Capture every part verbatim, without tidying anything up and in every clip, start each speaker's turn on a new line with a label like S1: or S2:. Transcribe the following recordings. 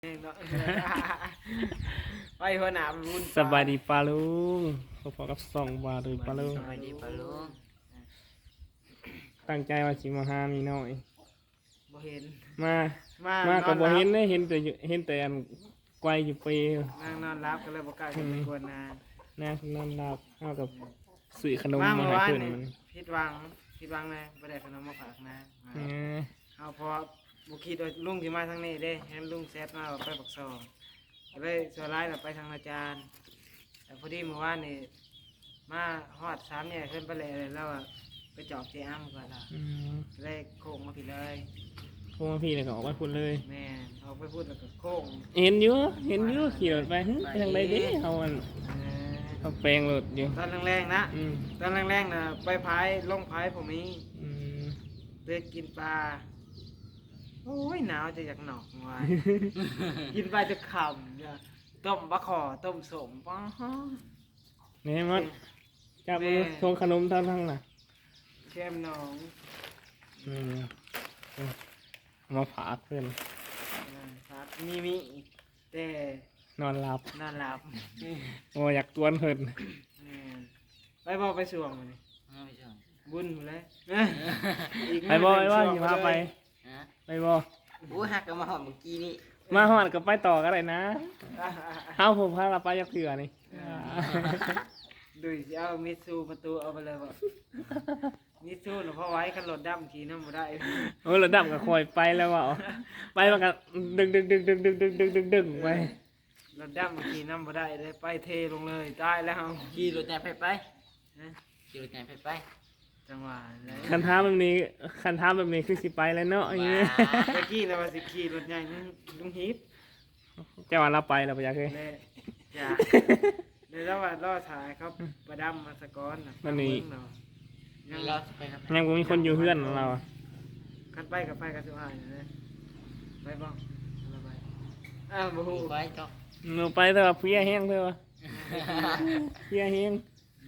S1: ไปหัวหน้าบุญ
S2: สบายดีปลาลุงพอๆกับสองบาทหรือปลาลุง
S3: สบายดีปลาลุง
S2: ตั้งใจว่าสิมาหามีน้อย
S1: บ่เห็น
S2: มา
S1: มา
S2: มาก็บ่เห็น
S1: น
S2: ได้เห็นแต่อยู่เห็นแต่อันไกวอยู่เปร
S1: นั่งนอนรับก็เลยบ่กล้าขึ้นไปกวนนาน
S2: นางนอนหลับเฮากับซื้อขนม
S1: มา
S2: มา
S1: เมื่อ
S2: ให้
S1: วาน
S2: เพิ่น
S1: นี่
S2: มัน
S1: ผิดหวังผิดหวังนะบ่ได้ขนมมาฝากนะ
S2: เออ
S1: เอาพอบ่คิดว่าลุงสิมาทางนี้เด้เห็นลุงแซดมาว่าไปปักซองก็เลยส่วนร้ายเราไปทางอาจารย์แต่พอดีเมื่อวานนี่มาฮอดสามแยกขึ้นไปเลยแล้วอะไปจอบเจอ้ำก่อนล่ะ
S2: อืม
S1: ก็เลยโค้งมาผิดเลย
S2: โทรมาพี่เลยก็ออกมาพูดเลย
S1: แม่เอาไปพูดแล้วก็โค้ง
S2: เห็นอยู่เห็นอยู่ขี่รถไปหึไปทางใดเด้เฮาอัน
S1: เออ
S2: เฮาแปลงรถอยู่
S1: ตอนแรงๆนะ
S2: อืม
S1: ตอนแรงๆนะไปพายลงพายผมนี้
S2: อืม
S1: เดินกินปลาโอ้ยหนาวจะอยากหนอกวาย กินปลาจะขำเนี่ยต้มบะขอต้มสมป้าฮะ
S2: นี่มันจับมือทวงขนมทางทางน่ะ
S1: แก้มหน้อง
S2: อืมเอามาฝากเพิ่น
S1: ครับมีมีแต่
S2: นอนหลับ
S1: นอนหลับ
S2: โอ้อยากตวนเพิ่น
S1: แม่ไปบอกไปสวงมานี่
S3: เอาไปชม
S1: บุญหมดเลย
S2: ไปบ่ไปว่าสิพาไป
S3: ฮะ
S2: ไปบ่
S3: อู้หักกันมาหอมเมื่อกี้นี่
S2: มาฮอดก็ไปต่อก็ได้นะเฮาผมพาเราไปยักเถื่อนี่
S1: ดูสิเอามิตซูประตูเอาไปเลยบอกมิตซูหนูพอไว้กันรถดำขี่น้ำมาได้
S2: โอ้ระดับก็คอยไปแล้วว่าไปมันก็ดึงดึงดึงดึงดึงดึงดึงดึงดึงไป
S1: รถดำขี่น้ำมาได้เลยไปเทลงเลยตายแล้ว
S3: ขี่รถใหญ่ไปไป
S1: นะ
S3: ขี่รถใหญ่ไปไป
S1: จังหวะเลย
S2: คันท้าแบบนี้คันท้าแบบนี้คือสิไปแล้วเนาะอย่างเงี้ย
S1: เมื่อกี้เราว่าสิขี่รถใหญ่นึงลุงฮิป
S2: เจ้าวันเราไปเราไปยักเลย
S1: เลยจ้าในระหว่างรอถ่ายเขาประดำมาสะก้อนน่ะ
S2: มันนี่
S1: เาะ
S3: นี่เราจะไปครับ
S2: ยังบ่มีคนอยู่เพื่อนของเราอะ
S1: คันไปกับไปกับสุภาพเลยไปบ้างเราไปอ้าวบูฮู
S3: ขี่ไปจ้ะ
S2: หนูไปเถอะเพี้ยแห้งเถอะเพี้ยแห้ง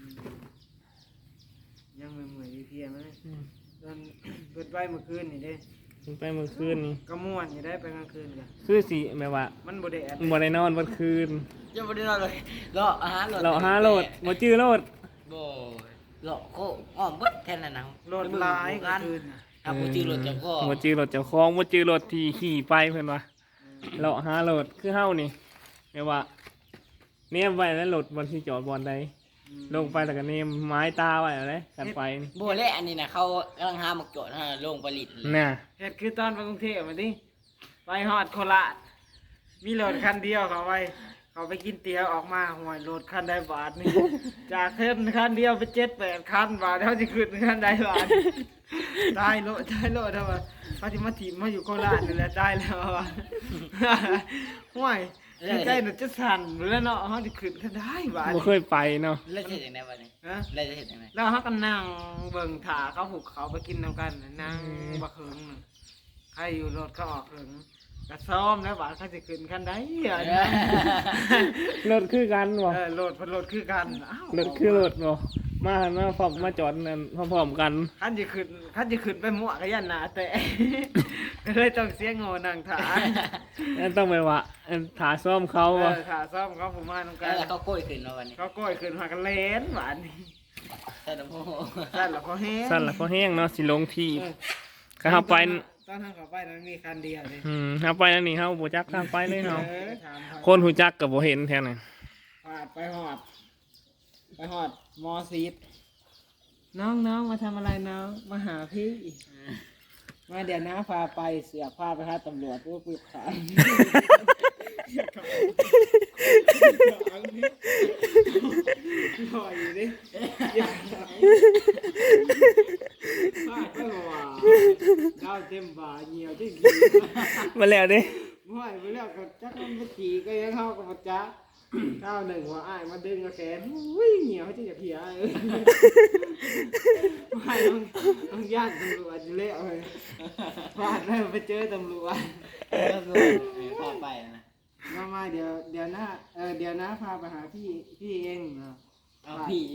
S1: ยังเหมื่อยๆเพียไหมตอนเปิดไปเมื่อคืนนี่เด้
S2: มันไปเมื่อคืนนี่
S1: ก็ม่วนอยู่ได้ไปกลางคืนกัน
S2: คือสิแบบว่า
S1: มันบ่ได้แอด
S2: บ่ได้นอนเมื่อคืน
S3: ยังไม่ได้นอนเลยรออาหารรถ
S2: เราหาโหลดบ่จื้อโหลด
S3: โบ่รอโคอ้อมเบิดแทนน่ะนะ
S1: โหลดหลายกลางคืนน่ะ
S3: อ่ะกูจื้อรถเจ้าพ่อ
S2: บ่จื้อโหลดเจ้าของบ่จื้อโหลดที่ขี่ไปเพิ่นว่า เราหาโหลดคือเฮานี่แม่ว่าเนมไว้แล้วโหลดบนที่จอดบอลใดลงไปแล้วก็เนมไม้ตาไว้อะไรกันไปนี่
S3: โบ่และอันนี้นะเขากำลังหาหมกโจทย์ฮะลงผลิตเลย
S2: น่ะ
S1: เฮ็ดคือตอนไปกรุงเทพมาดิไปฮอดโคราชมีโหลดคันเดียวเขาไปเขาไปกินเตี๋ยวออกมาห่วยโหลดคันใดบาทนี่ จากเพิ่นคันเดียวไปเจ็ดแปดคันบาทเขาจะขึ้นคันใดบาทได้โลดได้โลดเท่าว่าเขาจะมาถีบมาอยู่โคราชนี่แหละได้แล้วว่า ห่วยใจหนูจะสั่นแล้วเนาะเขาจะขึ้นคันได้บาท
S2: บ่เคยไปเนาะ
S3: แล้วจะเห็นยังไงวะเนี่ย
S1: ฮะ
S3: แล้วจะเห็นยังไง
S1: แล้วเขาก็นั่งเบิ่งถาเขาหุบเขาไปกินน้ำกันน่ะนั่งบักเหิงน่ะใครอยู่รถเขาออกเหิงกระซ้อมแล้วบาทเขาจะขึ้นคันได้อะนะ
S2: รถคือกันบ่
S1: เออโหลดพันโหลดคือกันอ้าว
S2: รถคือรถบ่มาหันมาพร้อมมาจอดนั่นพร้อมๆกัน
S1: คันจะขึ้นคันจะขึ้นไปมั่วกับยันหนาแต่ ก็เลยต้องเสียงโง่นั่งถา
S2: นั่นต้องไปว่าอันถาซ่อมเขา
S1: เอ
S2: บ่
S1: อถาซ้อมเขาผมมาตรงกั
S3: แล้
S1: น
S3: วเขาโก้ยขึ้นมาวันนี้
S1: เขาก้อยขึ้นมากันเลนหวานนี่
S3: ใช่ลำโพง
S1: สั่นแล้วเขาแห้ง
S2: สั่นละก็แห้งเนาะสิลงที่
S1: เออ
S2: ก็เฮาไป
S1: ตอนทางเขาไปนั้นมีคันเดียวเลย
S2: อืมเฮาไปนั่นนี่เฮาบ่จักทางไปเลยเฮา
S1: เออถามเขา
S2: คนหูจักก็บ่เห็นแท้น่ะ
S1: หอดไปหอด ไปหอดมอซีดน้องน้องมาทำอะไรน้องมาหาพี่ มาเดี๋ยวน้าพาไปเสือกพาไปหาตำรวจผู้ปิดขายหน่อยดิพาไปว่าดาวเต็มบ่าเหี่ยวที่ขี่
S2: มาแล้วเด้
S1: ม่วยไปแล้วก็จักมันไปขี่ก็ยังเข้ากับปัจจักข้าวหนึ่งว่าอ้ายมาดึงกระแขนอุ้ยเหี่ยวที่จะเพียเออไม่ต้องต้องย่านตำรวจอยู่แล้วเลยพลาดแล้วไปเจอตำรวจ
S3: ก็คือพาไปนะ
S1: มามาเดี๋ยวเดี๋ยวนะเออเดี๋ยวนะพาไปหาพี่พี่เองเนาะ
S3: เอาพี่พ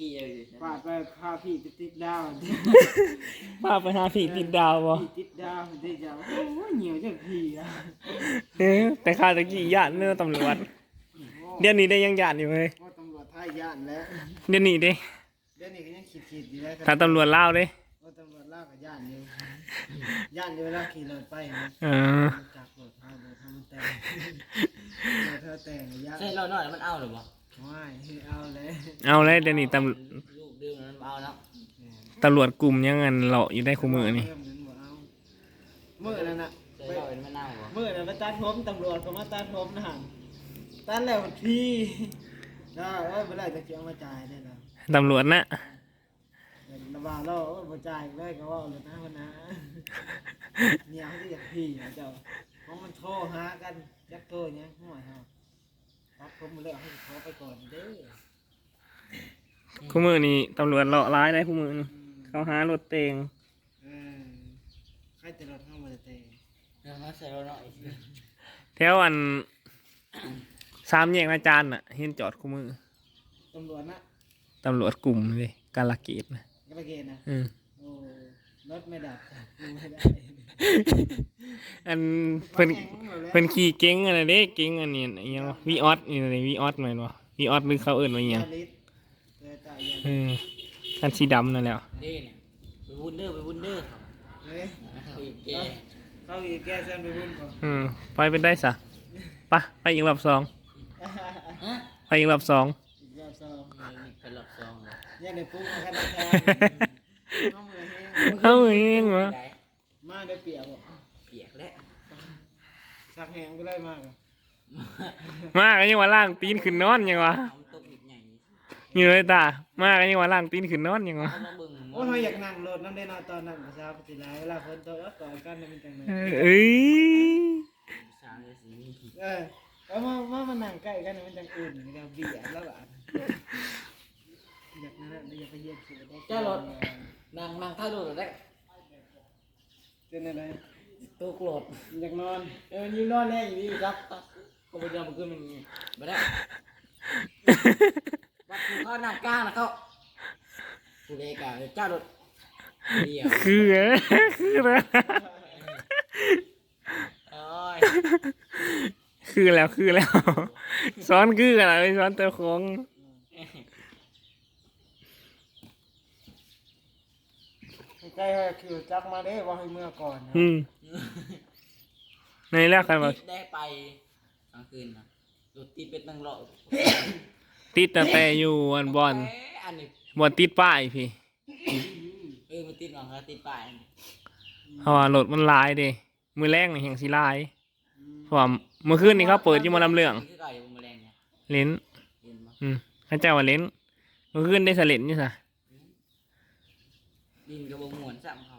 S3: พี่เลย
S1: ปาดไปพาพี่ไปติดดาว
S2: พาไปหาผีติดดาวบ่
S1: พี่ติดดาวติดดาวโอ้ยเหนียวจังพี่อ่ะ
S2: เออแต่ข้าตะกี้ย่านเนื้อตำรวจเดี๋ยวนี้ได้ยังย่านอยู่เว้ย
S1: ว่าตำรวจท่ายย่านแล้ว
S2: เดี๋ยวนี้เด้
S1: เดี๋ยวนี้ก็ยังขีดๆอยู่แล้ว
S2: ถ้าตำรวจลาวเด้
S1: ว่าตำรวจลากกับย่านอยู่ย่านอยู่เวลาขี่รถไปนะ
S2: เออ
S1: จากรถพารถทำมันแต่งรถเธอแต่งย่าน
S3: ใช่เราหน่อยมันเอาหรือเปล่า
S1: ไม่เอาเลย
S2: เอาเลยเดี๋ยวนี้ตำ
S3: ลูกดื่มมันเอาแล้ว
S2: ตำรวจกลุ่มยังเงินเลาะอยู่ได้คู่มือนี่
S1: เริ่มนั้นบ่เอาเมื่อนั้นน่ะ
S3: ใช่เรามันเอาเหรอ
S1: เมื่อนั้นไปตัดผมตำรวจก็มาตัดผมนะฮะตัดแล้วพี่ได้เอ้ยเมื่อไรจะเจียงมาจ่ายได้แล้ว
S2: ตำรวจนะ
S1: ระบาดเราบ่จ่ายได้ก็ว่าเลยนะวันนะเนี่ยเขาจะอยากพี่นะเจ้าเพราะมันโทรหากันจักโทรเนี่ยห่วยเฮาตัดผมมาแล้วให้ขอไปก่อนเด้อ
S2: คู่มือนี่ตำรวจเลาะร้ายได้คู่มือนี่เขาหารถเตง
S1: เออใครจะรถเข้ามาเตะ
S3: เดี๋ยวมาใส่เราหน่อย
S2: แถวอันสามแยกอาจารย์น่ะเห็นจอดคู่มือ
S1: ตำรวจนะ
S2: ตำรวจกลุ่มเลยกาลเกตนะ
S1: กระเกณฑ์นะ
S2: อืม
S1: โอ้รถไม่ดับกูไม่ได้
S2: อันเพิ่นเพิ่นขี่เก๋งอันนั้นเด้เก๋งอันนี้อันยังวีออสนี่อะไรวีออสแม่นบ่วีออสหรือเขาเอิ้นว่าหยัง
S1: ลิตรเจอจ่ายยัน
S2: เออคันสีดำนั่นแหละ
S3: เด้เนี่ยไปวุ้นเด้อไปวุ้นเด้อ
S1: เฮ้ย
S3: อีกแก
S1: เข้าอีกแก้เส้นไปบุญก่อน
S2: อืมไปเป็นได้ซะไปไปอีกรอบสอง
S3: ฮะ
S2: ไปอีกรอบสอง
S1: อีกรอบสอง
S3: นี่เป็นรอบสองเหรอ
S1: ยังได้ปุ๊บมาแค่นั้นแค่เอามือแห้ง
S2: เอาเองวะ
S3: ได้
S1: มาได้เปียกบ่
S3: เปียกแล้ว
S1: สักแห้งก็ได้มากอะ
S2: มากันยังว่าล่างตีนขึ้นนอนยังวะ
S3: ทำตกอีกใหญ่
S2: นี่เลยตามากันยังว่าล่างตีนขึ้นนอนยังวะ
S3: เอามาเบิ่ง
S1: โอ้ยเราอยากนั่งรถนั่นได้นอนตอนนั้นประชาปฏิไลเวลาฝนตกแล้วก่อนกันมันจังเลย
S2: เอ้ย
S3: สามเลยสี
S1: เออเอามามามานั่งใกล้กันมันจังอุ่นนะครับเบียดแล้วอ่ะอยากนั่นแหละอยากไปเยี่ยมสิได้
S3: เจ้ารถนั่งนั่งท่ารถได้
S1: เป็นอะไร
S3: ตัวกรด
S1: อยากนอนเออยิ้มนอนแน่อยู่ดี
S3: รับก็ไปเดินมาขึ้นมันอย่างงี้ไม่ได้วัดกูเข้านั่งกลางนะเขากูเด็กอะเจ้ารถเดียว
S2: คือเอ้ยคือนะ
S3: โอ้ย
S2: คือแล้วคือแล้ว ซ้อนคือกันอะไรซ้อนเตะของ
S1: ใกล้ๆคือจักมาได้ว่าให้เมื่อก่อนนะ
S2: อืมในแรกกันว่า
S3: ได้ไปกลางคืนนะรถติดเป็นตั้งรอบ
S2: ติดตั้งแต่อยู่อันบอล
S3: อันนี้
S2: บอลติดป้ายพี่
S3: เออมันติดหลังคาติดป้าย
S2: เพราะว่ารถมันลายเด้มือแรงนี่แห่งสีลายเพราะว่าเมื่อคืนนี่เขาเปิดอยู่หมาลำเรื่อง
S3: คือไก่บนแมลงเนี่ย
S2: เล่น
S3: เห็นปะ
S2: อืมเขาเจ้าว่าเล่นเมื่อคืนได้สะเล่นอยู่ซะ
S3: ดินกระบอกมวนซ้ำเขา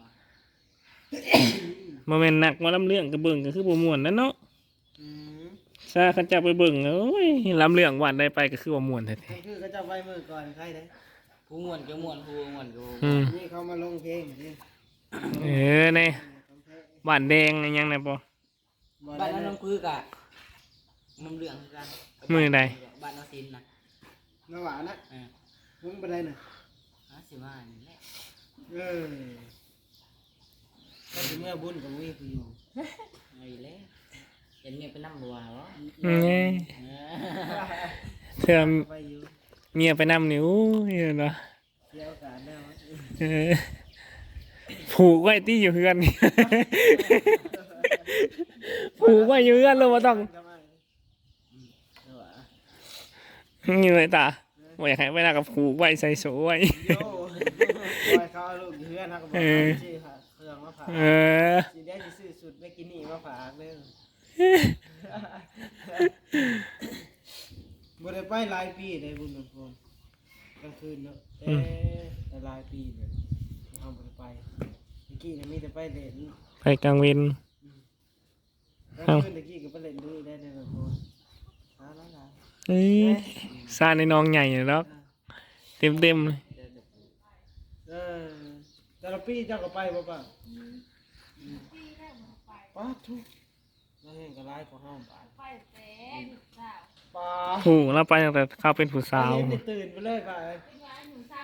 S2: โมเมนต์หนักหมาลำเรื่องกับเบิ่งก็คือบ่ม่วนนั่นเนาะ
S1: อืม
S2: ซาเขาเจ้าไปเบิ่งโอ้ยลำเรื่องวันได้ไปก็คือว่าม่วนแท้
S1: ก็คือก็จะไว้เมื่อก่อนใครได้
S3: ผู้มวนก็มวนผู้มวนก็บ่ม่วน
S2: ๆอืม
S1: นี่เขามาลงเพลงนี่
S2: เออในบ้านแดงอะไรยังไงปะ
S3: บ้านนั้นน้องคือกะมันเรื่องคือกัน
S2: มือใด
S3: บ้านน้องซินนะ
S1: น้าหวานนะ
S3: เออ
S1: มึงเป็นไรน่ะ
S3: ห้าสิบห้านี่แหละ
S1: เออก็ถึงเมื่อบุญกับมีกูอยู่
S3: เอาอีกแล้วเห็นเมียเป็นน้ำบัวเหรอ
S2: นี่
S3: เออ
S2: เธอ
S1: ไปอยู่
S2: เมียไปนำนิ้วเนาะ
S1: เที่ยวกันแล้ว
S2: เออผูกไว้ที่อยู่เพื่อน ผูกไว้อยู่เพื่อนเราบ่ต้อง
S1: ทำไม
S2: นี่เลยตาบ่อยากให้เวลากับผูกไว้ใส่โซ่ไว้
S1: โย่ปล่อยเขาเอาลูกอยู่เพื่อนนะก็บอกว่าชื่อค่ะเครื่องมาฝาก
S2: เออ
S1: สีได้สิซื้อสุดไม่กินนี่มาฝากเลยบ่ได้ไปหลายปีเลยบุญหลวงพ่อกลางคืนเนาะเอ๊ะแต่หลายปีเลยที่เราบ่ได้ไปเมื่อกี้เนี่ยมีแต่ไปเล่น
S2: ไปกลางเวน
S1: กลางคืนเมื่อกี้ก็ไปเล่นด้วยได้ในหลวงพ่อหาแล้วล่ะ
S2: เอ้ยซาในน้องใหญ่เนาะเต็มเต็มๆเลย
S1: เออแต่ละปีเจ้าก็ไปบ่ป่ะป้าทุกแล้วเห็นก็ร้ายกว่าห้าบาท
S4: ไปแต่ลูกสาว
S1: ป้า
S2: ผูกแล้วไปตั้งแต่เขาเป็นผู้สาว
S1: เห็นได้ตื่นไปเลยป่ะ
S4: เป็นว่าหนูสาว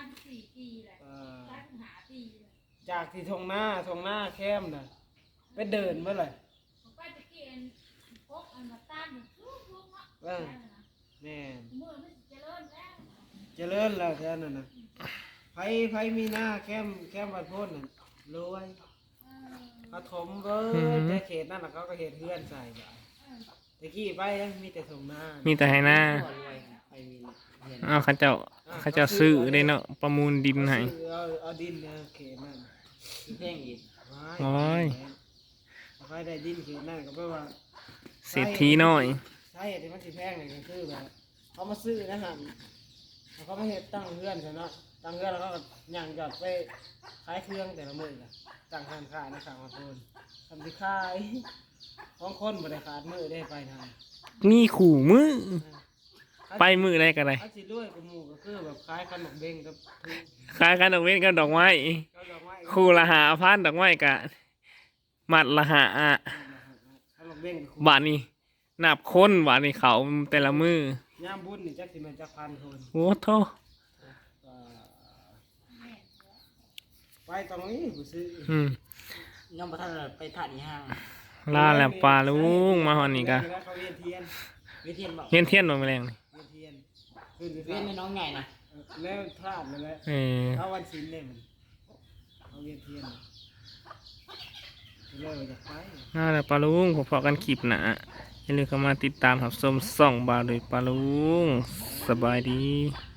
S1: จากที่ทงหน้าทงหน้าแคมน่ะไปเดินเมื่อไหร่
S4: ไปตะกี้อันพกอันมาต้านมันทุกทุกเนาะ
S1: เออแม่น
S4: มือมันเจริญแล้ว
S1: เจริญแล้วแค่นั้นน่ะไผไผมีหน้าแคมแคมวัดโพ้นน่ะรวย
S4: เออ
S1: เขาถมเบิดแต่เขตนั่นน่ะเขาก็เฮ็ดเฮือนใส่บ่ตะกี้ไปยังมีแต่ทงหน้า
S2: มีแต่ให้หน้า
S3: รวยไปมีเงิน
S2: อ้าวเขาเจ้าเขาเจ้าซื้อได้เนาะประมูลดินให้
S1: เอาเอาดินเนี่ยเขตนั่น
S3: เพ่งอีก
S2: โอ้ย
S1: เอาไปได้ดินเขตนั่นก็แปลว่า
S2: เศรษฐีน้อย
S1: ใช่ที่มันสิแพงนี่ก็คือแบบเขามาซื้อนะฮะเขามาเฮ็ดตั้งเรือนใช่เนาะตั้งเรือนแล้วก็ย่างจอดไปขายเครื่องแต่ละมื้อก็ตั้งห้านขายในข้างมาโพนทำสิขายของคนบ่ได้ขาดมื้อได้ไปทาง
S2: มีขู่มือไปมือได้ก็ได้
S1: ถ้าสิรวยกับหมู่ก็คือแบบขายขนมเบงกับทุก
S2: ขายกันดอกเว้นกับดอกไม้
S1: ก็ดอกไม้
S2: คู่ละหาพันดอกไม้กะมัดละหาอะ
S1: ขนมเบงกับ
S2: บาทนี้นับคนบาทนี้เขาแต่ละมือย
S1: ามบุญนี่จักสิแม่นจักพันคน
S2: โอ้โท
S1: ก็ไปตรงนี้กูซื้อ
S2: อืม
S3: ยังบ่ทันไปถ่ายอีห้าง
S2: ลาแล้วปลาลุงมาหอนนี่กะ
S1: เขาเวียนเทียน
S3: วิเทียนบอก
S2: เลี้ยนเทียนมาแมลงนี่
S1: เวียนเทียนขึ้นไป
S3: เวียนในน้องใหญ่นะ
S1: แล้วพลาดนั่นแหละ
S2: เออ
S1: เอาวันศิลป์เนี่ยมันเอาเวียนเทียนเลยอยากไป
S2: ลาแล้วปลาลุงพอๆกันคลิปหนาอย่าลืมเข้ามาติดตามรับชมส่องบาโดยปลาลุงสบายดี